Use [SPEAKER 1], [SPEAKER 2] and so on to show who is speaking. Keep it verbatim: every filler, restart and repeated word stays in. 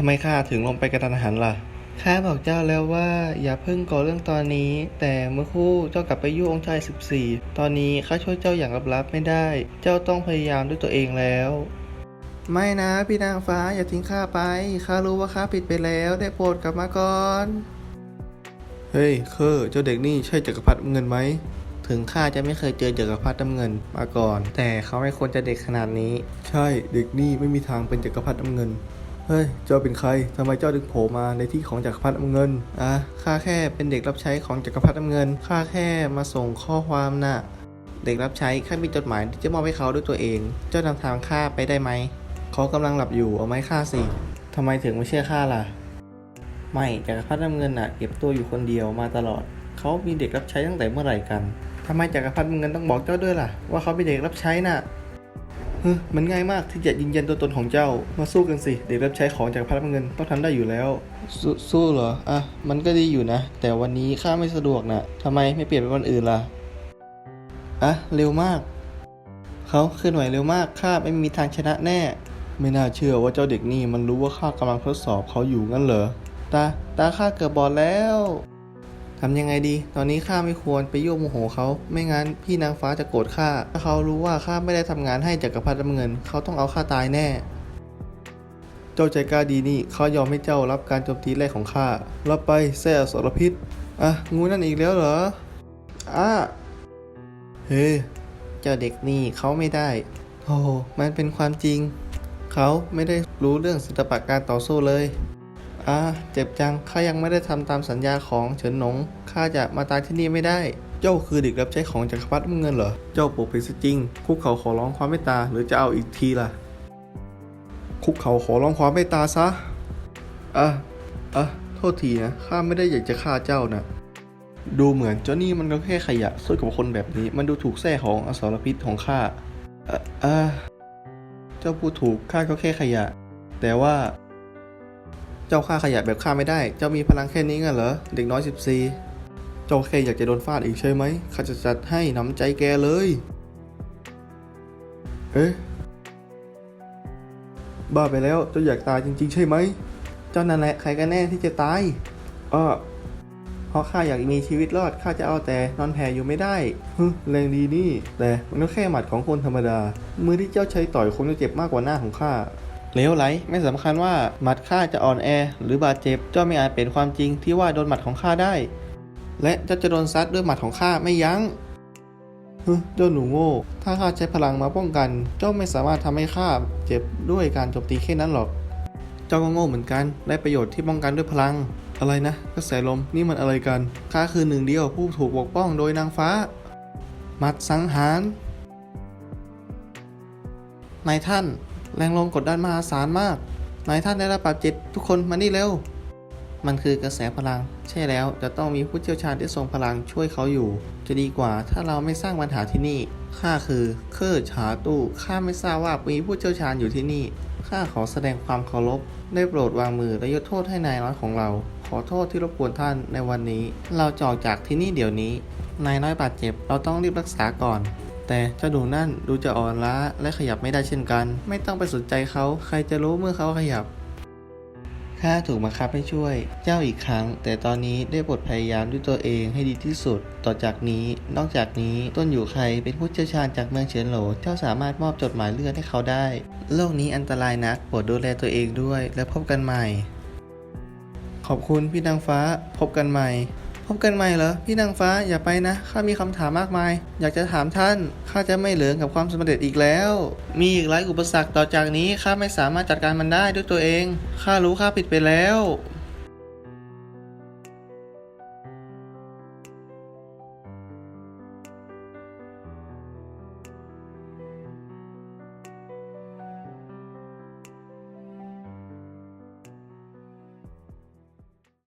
[SPEAKER 1] ไมข้าถึงลงไปกระทันหันล่ะข้าบอกเจ้าแล้วว่าอย่าเพิ่งก่อเรื่องตอนนี้แต่เมื่อครู่เจ้ากลับไปยุ่งองค์ชายสิบสี่ตอนนี้ข้าช่วยเจ้าอย่างลับๆไม่ได้เจ้าต้องพยายามด้วยตัวเองแล้วไม่นะพี่นางฟ้าอย่าทิ้งข้าไปข้ารู้ว่าข้าผิดไปแล้วได้โปรดกลับมาก่อนเฮ้ยเคอเจ้าเด็กนี่ใช่จักรพรรดิเงินไหมถึงข้าจะไม่เคยเจอจักรพรรดิน้ำเงินมาก่อนแต่เขาไม่ควรจะเด็กขนาดนี้ใช่เด็กนี่ไม่มีทางเป็นจักรพรรดิน้ำเงินเฮ้ยเจ้าเป็นใครทำไมเจ้าถึงโผล่มาในที่ของจักรพรรดิน้ำเงินอ่ะข้าแค่เป็นเด็กรับใช้ของจักรพรรดิน้ำเงินข้าแค่มาส่งข้อความน่ะเด็กรับใช้ข้ามีจดหมายที่จะมอบให้เขาด้วยตัวเองเจ้านำทางข้าไปได้ไหมเขากำลังหลับอยู่เอาไม้ฆ่าสิทำไมถึงไม่เชื่อข้าล่ะไม่จักรพรรดิน้ำเงินน่ะเก็บตัวอยู่คนเดียวมาตลอดเขามีเด็กรับใช้ตั้งแต่เมื่อไหร่กันทำไมจักรพรรดิน้ำเงินต้องบอกเจ้าด้วยล่ะว่าเขาเป็นเด็กรับใช้น่ะเฮ้ยมันง่ายมากที่จะยืนยันตัวตนของเจ้ามาสู้กันสิเด็กรับใช้ของจากพระน้ำเงินต้องทำได้อยู่แล้วสสู้เหรออ่ะมันก็ดีอยู่นะแต่วันนี้ข้าไม่สะดวกนะทำไมไม่เปลี่ยนเป็นวันอื่นล่ะอ่ะเร็วมากเขาเคลื่อนไหวเร็วมากข้าไม่มีทางชนะแน่ไม่น่าเชื่อว่าเจ้าเด็กนี่มันรู้ว่าข้ากำลังทดสอบเขาอยู่งั้นเหรอตาตาข้าเกือบบอดแล้วทำยังไงดีตอนนี้ข้าไม่ควรไปยั่วโมโหเขาไม่งั้นพี่นางฟ้าจะโกรธข้าถ้าเขารู้ว่าข้าไม่ได้ทำงานให้จักรพรรดิน้ำเงินเขาต้องเอาข้าตายแน่เจ้าใจกล้าดีนี่เขายอมให้เจ้ารับการโจมตีแรกของข้ารับไปแซ่อสรพิษอ่ะงูนั่นอีกแล้วเหรออ่ะเฮ้เจ้าเด็กนี่เขาไม่ได้โอ้มันเป็นความจริงเขาไม่ได้รู้เรื่องศิลปะการต่อสู้เลยอ่าเจ็บจังข้ายังไม่ได้ทำตามสัญญาของเฉินหนงข้าจะมาตายที่นี่ไม่ได้เจ้าคือเด็กรับใช้ของจักรพรรดิน้ำเงินเหรอเจ้าปกปิดซะจริงคุกเขาขอร้องความเมตตาหรือจะเอาอีกทีล่ะคุกเขาขอร้องความเมตตาซะอ่ะอ่ะโทษทีนะข้าไม่ได้อยากจะฆ่าเจ้านะดูเหมือนเจ้านี่มันก็แค่ขยะสู้กับคนแบบนี้มันดูถูกแท้ของอสรพิษของข้าอ่ะอ่ะเจ้าพูดถูกข้าก็แค่ขยะแต่ว่าเจ้าฆ่าขยะแบบฆ่าไม่ได้เจ้ามีพลังแค่นี้งั้นเหรอเด็กน้อยสิบสี่เจ้าแค่อยากจะโดนฟาดอีกใช่ไหมข้าจะจัดให้น้ำใจแกเลยเอ๊ะบ้าไปแล้วเจ้าอยากตายจริงๆใช่ไหมเจ้านั่นแหละใครกันแน่ที่จะตายอ้อเพราะข้าอยากมีชีวิตรอดข้าจะเอาแต่นอนแผ่อยู่ไม่ได้ฮึแรงดีนี่แต่มันก็แค่หมัดของคนธรรมดามือที่เจ้าใช้ต่อยคงจะเจ็บมากกว่าหน้าของข้าเลวไหลไม่สำคัญว่าหมัดข้าจะอ่อนแอหรือบาดเจ็บเจ้าไม่อาจเป็นความจริงที่ว่าโดนหมัดของข้าได้และเจ้าจะโดนซัดด้วยหมัดของข้าไม่ยั้งฮึเจ้าหนูโง่ถ้าข้าใช้พลังมาป้องกันเจ้าไม่สามารถทำให้ข้าเจ็บด้วยการโจมตีแค่นั้นหรอกเจ้าก็โง่เหมือนกันได้ประโยชน์ที่ป้องกันด้วยพลังอะไรนะกระแสลมนี่มันอะไรกันข้าคือหนึ่งเดียวผู้ถูกปกป้องโดยนางฟ้าหมัดสังหารนายท่านแรงลมกดดันมหาศาลมากนายท่านได้รับบาดเจ็บทุกคนมานี่เร็วมันคือกระแสพลังใช่แล้วจะต้องมีผู้เชี่ยวชาญที่ทรงพลังช่วยเขาอยู่จะดีกว่าถ้าเราไม่สร้างปัญหาที่นี่ข้าคือเคอร์ฉาตู้ข้าไม่ทราบว่ามีผู้เชี่ยวชาญอยู่ที่นี่ข้าขอแสดงความเคารพได้โปรดวางมือและยกโทษให้นายน้อยของเราขอโทษที่รบกวนท่านในวันนี้เราจะออกจากที่นี่เดี๋ยวนี้นายน้อยบาดเจ็บเราต้องรีบรักษาก่อนแต่เจ้าดูนั่นดูจะอ่อนล้าและขยับไม่ได้เช่นกันไม่ต้องไปสนใจเขาใครจะรู้เมื่อเขาขยับข้าถูกบังคับให้ช่วยเจ้าอีกครั้งแต่ตอนนี้ได้บทพยายามด้วยตัวเองให้ดีที่สุดต่อจากนี้นอกจากนี้ต้นอยู่ใครเป็นผู้เชี่ยวชาญจากเมืองเฉินโหลเจ้าสามารถมอบจดหมายเลือดให้เขาได้โลกนี้อันตรายนักโปรดดูแลตัวเองด้วยและพบกันใหม่ขอบคุณพี่นางฟ้าพบกันใหม่พบกันใหม่เหรอพี่นางฟ้าอย่าไปนะข้ามีคำถามมากมายอยากจะถามท่านข้าจะไม่เหลืองกับความสำเร็จอีกแล้วมีอีกหลายอุปสรรคต่อจากนี้ข้าไม่สามารถจัดการมันได้ด้วยตัวเองข้ารู้ข้าผิดไปแล้ว